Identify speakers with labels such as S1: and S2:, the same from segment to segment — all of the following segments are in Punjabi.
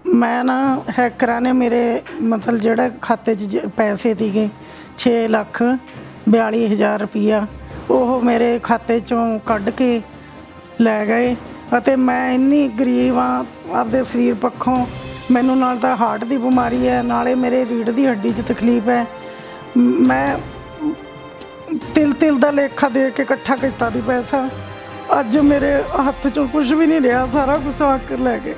S1: मैं ना हैकरां ने मेरे मतलब ਜਿਹੜੇ ਖਾਤੇ 'ਚ ਪੈਸੇ ਸੀਗੇ 6,42,000 ਰੁਪਈਆ ਉਹ ਮੇਰੇ ਖਾਤੇ 'ਚੋਂ ਕੱਢ ਕੇ ਲੈ ਗਏ ਅਤੇ ਮੈਂ ਇੰਨੀ ਗਰੀਬ ਆ ਆਪਦੇ ਸਰੀਰ ਪੱਖੋਂ। ਮੈਨੂੰ ਨਾਲ ਤਾਂ ਹਾਰਟ ਦੀ ਬਿਮਾਰੀ ਹੈ, ਨਾਲੇ ਮੇਰੇ ਰੀੜ੍ਹ ਦੀ ਹੱਡੀ 'ਚ ਤਕਲੀਫ ਹੈ। ਮੈਂ ਤਿਲ ਦਾ ਲੇਖਾ ਦੇ ਕੇ ਇਕੱਠਾ ਕੀਤਾ ਦੀ ਪੈਸਾ, ਅੱਜ ਮੇਰੇ ਹੱਥ 'ਚੋਂ ਕੁਝ ਵੀ ਨਹੀਂ ਰਿਹਾ, ਸਾਰਾ ਕੁਝ ਹੱਕ ਲੈ ਗਏ।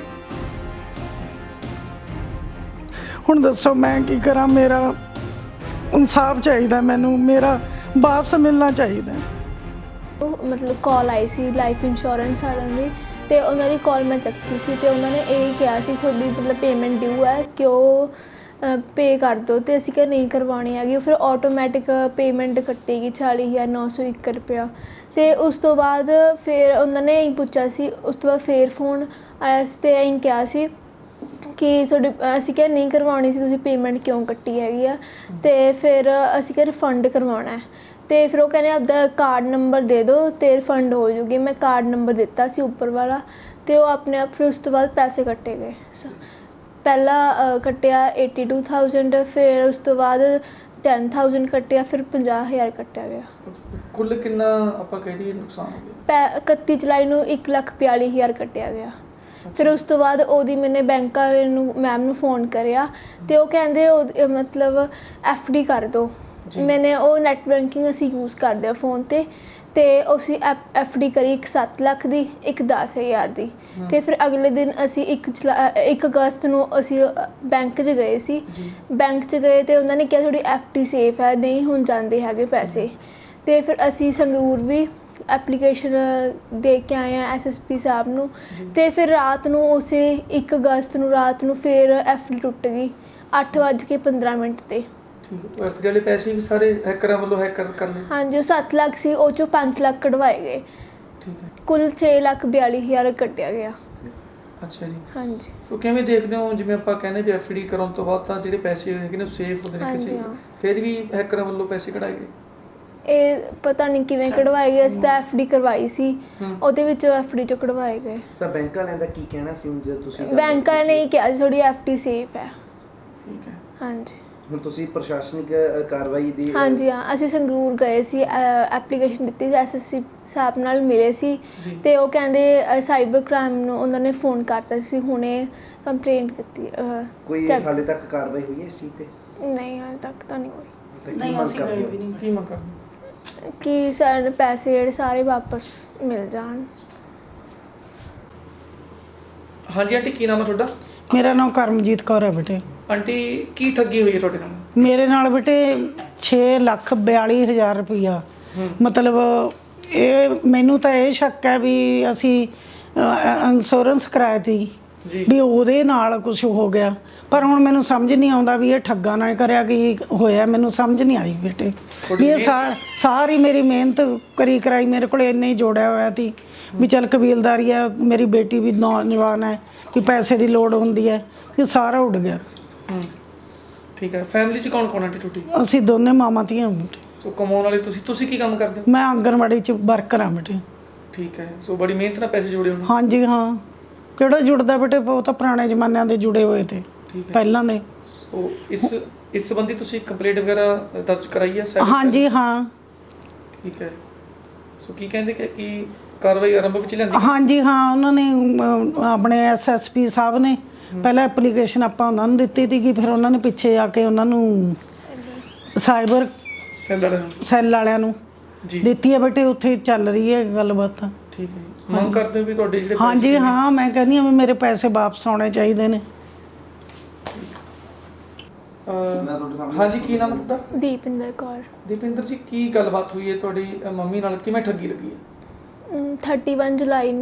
S1: ਹੁਣ ਦੱਸੋ ਮੈਂ ਕੀ ਕਰਾਂ? ਮੇਰਾ ਇਨਸਾਫ ਚਾਹੀਦਾ, ਮੈਨੂੰ ਮੇਰਾ ਵਾਪਸ ਮਿਲਣਾ ਚਾਹੀਦਾ।
S2: ਮਤਲਬ ਕਾਲ ਆਈ ਸੀ ਲਾਈਫ ਇੰਸ਼ੋਰੈਂਸ ਵਾਲਿਆਂ ਦੀ, ਅਤੇ ਉਹਨਾਂ ਦੀ ਕਾਲ ਮੈਂ ਚੱਕੀ ਸੀ ਅਤੇ ਉਹਨਾਂ ਨੇ ਇਹ ਕਿਹਾ ਸੀ ਤੁਹਾਡੀ ਮਤਲਬ ਪੇਮੈਂਟ ਡਿਊ ਹੈ ਕਿ ਉਹ ਪੇ ਕਰ ਦਿਓ, ਅਤੇ ਅਸੀਂ ਕਿਹਾ ਨਹੀਂ ਕਰਵਾਉਣੀ ਹੈਗੀ। ਫਿਰ ਆਟੋਮੈਟਿਕ ਪੇਮੈਂਟ ਕੱਟੇਗੀ 40,901 ਰੁਪਇਆ। ਅਤੇ ਉਸ ਤੋਂ ਬਾਅਦ ਫਿਰ ਉਹਨਾਂ ਨੇ ਇਹੀ ਪੁੱਛਿਆ ਸੀ, ਉਸ ਤੋਂ ਬਾਅਦ ਫਿਰ ਫੋਨ ਆਇਆ ਸੀ ਅਤੇ ਇਹੀ ਕਿਹਾ ਸੀ ਕਿ ਤੁਹਾਡੀ, ਅਸੀਂ ਕਿਹਾ ਨਹੀਂ ਕਰਵਾਉਣੀ ਸੀ, ਤੁਸੀਂ ਪੇਮੈਂਟ ਕਿਉਂ ਕੱਟੀ ਹੈਗੀ ਆ। ਅਤੇ ਫਿਰ ਅਸੀਂ ਕਿਹਾ ਰਿਫੰਡ ਕਰਵਾਉਣਾ ਹੈ, ਅਤੇ ਫਿਰ ਉਹ ਕਹਿੰਦੇ ਆਪਦਾ ਕਾਰਡ ਨੰਬਰ ਦੇ ਦਿਓ ਅਤੇ ਰਿਫੰਡ ਹੋ ਜੂਗੀ। ਮੈਂ ਕਾਰਡ ਨੰਬਰ ਦਿੱਤਾ ਸੀ ਉੱਪਰ ਵਾਲਾ, ਅਤੇ ਉਹ ਆਪਣੇ ਆਪ। ਫਿਰ ਉਸ ਤੋਂ ਬਾਅਦ ਪੈਸੇ ਕੱਟੇ ਗਏ। ਪਹਿਲਾਂ ਕੱਟਿਆ 82,000, ਫਿਰ ਉਸ ਤੋਂ ਬਾਅਦ 10,000 ਕੱਟਿਆ, ਫਿਰ 50,000 ਕੱਟਿਆ ਗਿਆ।
S3: ਕੁੱਲ ਕਿੰਨਾ ਆਪਾਂ ਕਹਿ ਦਈਏ ਨੁਕਸਾਨ ਹੋ ਗਿਆ?
S2: 31 ਜੁਲਾਈ ਨੂੰ 1,42,000 ਕੱਟਿਆ ਗਿਆ। ਫਿਰ ਉਸ ਤੋਂ ਬਾਅਦ ਉਹਦੀ ਮੈਨੇ ਬੈਂਕ ਵਾਲੇ ਨੂੰ ਮੈਮ ਨੂੰ ਫ਼ੋਨ ਕਰਿਆ, ਅਤੇ ਉਹ ਕਹਿੰਦੇ ਉਹ ਮਤਲਬ FD ਕਰ ਦਿਓ। ਮੈਨੇ ਉਹ ਨੈੱਟ ਬੈਂਕਿੰਗ ਅਸੀਂ ਯੂਜ਼ ਕਰਦੇ ਹਾਂ ਫ਼ੋਨ 'ਤੇ, ਅਤੇ ਅਸੀਂ FD ਕਰੀ, ਇੱਕ 7 ਲੱਖ ਦੀ, ਇੱਕ 10,000 ਦੀ। ਅਤੇ ਫਿਰ ਅਗਲੇ ਦਿਨ ਅਸੀਂ 1 ਅਗਸਤ ਨੂੰ ਅਸੀਂ ਬੈਂਕ 'ਚ ਗਏ ਸੀ। ਬੈਂਕ 'ਚ ਗਏ ਅਤੇ ਉਹਨਾਂ ਨੇ ਕਿਹਾ ਤੁਹਾਡੀ FD ਸੇਫ ਹੈ, ਨਹੀਂ ਹੁਣ ਜਾਂਦੇ ਹੈਗੇ ਪੈਸੇ। ਅਤੇ ਫਿਰ ਅਸੀਂ ਸੰਗਰੂਰ ਵੀ ਐਪਲੀਕੇਸ਼ਨ ਦੇ ਕੇ ਆਏ ਹਾਂ SSP ਸਾਹਿਬ ਨੂੰ, ਅਤੇ ਫਿਰ ਰਾਤ ਨੂੰ ਉਸੇ 1 ਅਗਸਤ ਨੂੰ ਰਾਤ ਨੂੰ ਫਿਰ FD ਟੁੱਟ ਗਈ 8:15 'ਤੇ।
S3: ਠੀਕ ਹੈ। FD ਵਾਲੇ ਪੈਸੇ ਵੀ ਸਾਰੇ ਹੈਕਰਾਂ ਵੱਲੋਂ ਹੈਕਰ ਕਰ ਲਏ?
S2: ਹਾਂਜੀ, ਉਹ 7 ਲੱਖ ਸੀ, ਉਹ 'ਚੋਂ 5 ਲੱਖ ਕਢਵਾਏ ਗਏ।
S3: ਠੀਕ ਹੈ।
S2: ਕੁੱਲ 6,42,000 ਕੱਟਿਆ ਗਿਆ।
S3: ਅੱਛਾ ਜੀ।
S2: ਹਾਂਜੀ।
S3: ਸੋ ਕਿਵੇਂ ਦੇਖਦੇ ਹੋ, ਜਿਵੇਂ ਆਪਾਂ ਕਹਿੰਦੇ ਵੀ FD ਕਰਾਉਣ ਤੋਂ ਬਾਅਦ ਤਾਂ ਜਿਹੜੇ ਪੈਸੇ ਹੈਗੇ ਨੇ ਸੇਫ ਹੁੰਦੇ ਨੇ ਕਿਸੇ, ਫਿਰ ਵੀ ਹੈਕਰਾਂ ਵੱਲੋਂ ਪੈਸੇ ਕਢਾਏ ਗਏ? ਇਹ
S2: ਪਤਾ ਨਹੀਂ ਕਿਵੇਂ ਕਢਵਾਏ ਗਏ। ਅਸੀਂ ਤਾਂ FD ਕਰਵਾਈ ਸੀ, ਉਹਦੇ ਵਿੱਚੋਂ FD 'ਚੋਂ ਕਢਵਾਏ ਗਏ।
S4: ਤਾਂ ਬੈਂਕ ਵਾਲਿਆਂ ਦਾ ਕੀ ਕਹਿਣਾ ਸੀ ਹੁਣ ਜਦੋਂ ਤੁਸੀਂ?
S2: ਬੈਂਕ ਵਾਲਿਆਂ ਨੇ ਇਹ ਕਿਹਾ ਸੀ ਤੁਹਾਡੀ FD ਸੇਫ ਹੈ।
S3: ਠੀਕ ਹੈ। ਹਾਂਜੀ।
S4: ਹੁਣ ਤੁਸੀਂ ਪ੍ਰਸ਼ਾਸਨਿਕ ਕਾਰਵਾਈ ਦੀ?
S2: ਹਾਂਜੀ ਹਾਂ, ਅਸੀਂ ਸੰਗਰੂਰ ਗਏ ਸੀ, ਐਪਲੀਕੇਸ਼ਨ ਦਿੱਤੀ ਸੀ, SSP ਸਾਹਿਬ ਨਾਲ ਮਿਲੇ ਸੀ, ਅਤੇ ਉਹ ਕਹਿੰਦੇ ਸਾਈਬਰ ਕ੍ਰਾਈਮ ਨੂੰ ਉਹਨਾਂ ਨੇ ਫ਼ੋਨ ਕਰਤਾ ਸੀ, ਹੁਣੇ ਕੰਪਲੇਂਟ ਕੀਤੀ।
S4: ਕੋਈ ਹਾਲੇ ਤੱਕ ਕਾਰਵਾਈ ਹੋਈ ਹੈ ਇਸ ਚੀਜ਼ 'ਤੇ?
S2: ਨਹੀਂ, ਹਾਲੇ ਤੱਕ ਤਾਂ ਨਹੀਂ ਹੋਈ।
S1: ਨਹੀਂ, ਅਸੀਂ ਗਏ ਵੀ ਨਹੀਂ।
S3: ਕੀ ਮੰਗ ਕਰਦੇ
S2: ਕਿ ਸਾਡੇ ਪੈਸੇ ਜਿਹੜੇ ਸਾਰੇ ਵਾਪਸ ਮਿਲ ਜਾਣ।
S3: ਹਾਂਜੀ ਆਂਟੀ, ਕੀ ਨਾਮ ਹੈ ਤੁਹਾਡਾ?
S1: ਮੇਰਾ ਨਾਮ ਕਰਮਜੀਤ ਕੌਰ ਹੈ ਬੇਟੇ।
S3: ਆਂਟੀ, ਕੀ ਠੱਗੀ ਹੋਈ ਹੈ ਤੁਹਾਡੇ ਨਾਲ?
S1: ਮੇਰੇ ਨਾਲ ਬੇਟੇ 6,42,000 ਰੁਪਈਆ। ਮਤਲਬ ਇਹ ਮੈਨੂੰ ਤਾਂ ਇਹ ਸ਼ੱਕ ਹੈ ਵੀ ਅਸੀਂ ਇੰਸ਼ੋਰੈਂਸ ਕਰਾਇਆ ਤੀ ਵੀ ਉਹਦੇ ਨਾਲ ਕੁਝ ਹੋ ਗਿਆ, ਪਰ ਹੁਣ ਮੈਨੂੰ ਸਮਝ ਨਹੀਂ ਆਉਂਦਾ ਵੀ ਇਹ ਠੱਗਾਂ ਨਾਲ ਕਰਿਆ ਕੀ ਹੋਇਆ। ਮੈਨੂੰ ਸਮਝ ਨਹੀਂ ਆਈ ਬੇਟੇ ਵੀ ਇਹ ਸਾਰੀ ਮੇਰੀ ਮਿਹਨਤ ਕਰੀ ਕਰਾਈ ਮੇਰੇ ਕੋਲ ਇੰਨੇ ਹੀ ਜੋੜਿਆ ਹੋਇਆ ਸੀ ਵੀ ਚੱਲ ਕਬੀਲਦਾਰੀ ਹੈ, ਮੇਰੀ ਬੇਟੀ ਵੀ ਨੌਜਵਾਨ ਹੈ ਕਿ ਪੈਸੇ ਦੀ ਲੋੜ ਹੁੰਦੀ ਹੈ, ਕਿ ਸਾਰਾ ਉੱਡ ਗਿਆ।
S3: ਠੀਕ ਹੈ। ਫੈਮਿਲੀ 'ਚ ਕੌਣ ਕੌਣ ਆਂਟੀ ਟੁੱਟੀ?
S1: ਅਸੀਂ ਦੋਨੇ ਮਾਵਾਂ ਧੀਆਂ ਬੇਟੇ।
S3: ਸੋ ਕਮਾਉਣ ਵਾਲੇ ਤੁਸੀਂ ਕੀ ਕੰਮ ਕਰਦੇ ਹੋ?
S1: ਮੈਂ ਆਂਗਣਵਾੜੀ 'ਚ ਵਰਕਰ ਹਾਂ ਬੇਟੇ।
S3: ਠੀਕ ਹੈ। ਸੋ ਬੜੀ ਮਿਹਨਤ ਨਾਲ ਪੈਸੇ ਜੋੜੇ ਹੋਣੇ?
S1: ਹਾਂਜੀ ਹਾਂ। ਕਿਹੜਾ ਜੁੜਦਾ ਬੇਟੇ, ਉਹ ਤਾਂ ਪੁਰਾਣੇ ਜ਼ਮਾਨਿਆਂ ਦੇ ਜੁੜੇ ਹੋਏ ਤੇ ਪਹਿਲਾਂ ਦੇ।
S3: ਸੋ ਇਸ ਸੰਬੰਧੀ ਤੁਸੀਂ ਕੰਪਲੇਂਟ ਵਗੈਰਾ ਦਰਜ ਕਰਾਈ ਹੈ?
S1: ਹਾਂਜੀ ਹਾਂ।
S3: ਠੀਕ ਹੈ। ਸੋ ਕੀ ਕਹਿੰਦੇ ਕਿ ਕਾਰਵਾਈ ਆਰੰਭ ਵਿੱਚ ਲੈਂਦੀ?
S1: ਹਾਂਜੀ ਹਾਂ, ਉਹਨਾਂ ਨੇ ਆਪਣੇ SSP ਸਾਹਿਬ ਨੇ ਪਹਿਲਾਂ ਐਪਲੀਕੇਸ਼ਨ ਆਪਾਂ ਉਹਨਾਂ ਨੂੰ ਦਿੱਤੀ ਸੀਗੀ, ਫਿਰ ਉਹਨਾਂ ਨੇ ਪਿੱਛੇ ਆ ਕੇ ਉਹਨਾਂ ਨੂੰ ਸਾਈਬਰ ਸੈੱਲ ਵਾਲਿਆਂ ਨੂੰ ਦਿੱਤੀ ਹੈ ਬੇਟੇ। ਉੱਥੇ ਚੱਲ ਰਹੀ ਹੈ ਗੱਲਬਾਤ।
S3: ਠੀਕ ਹੈ। ਮੰਗ ਕਰਦੇ ਹੋ ਵੀ ਤੁਹਾਡੇ ਜਿਹੜੇ?
S1: ਹਾਂਜੀ ਹਾਂ, ਮੈਂ ਕਹਿੰਦੀ ਹਾਂ ਵੀ ਮੇਰੇ ਪੈਸੇ ਵਾਪਸ ਆਉਣੇ ਚਾਹੀਦੇ ਨੇ।
S3: ਹਾਂਜੀ, ਕੀ ਨਾਮ ਹੈ ਤੁਹਾਡਾ?
S2: ਦੀਪਿੰਦਰ ਕੌਰ।
S3: ਦੀਪਿੰਦਰ ਜੀ, ਕੀ ਗੱਲਬਾਤ ਹੋਈ ਹੈ ਤੁਹਾਡੀ ਮੰਮੀ ਨਾਲ, ਕਿਵੇਂ ਠੱਗੀ ਲੱਗੀ ਹੈ?
S2: 31 ਜੁਲਾਈ ਨੂੰ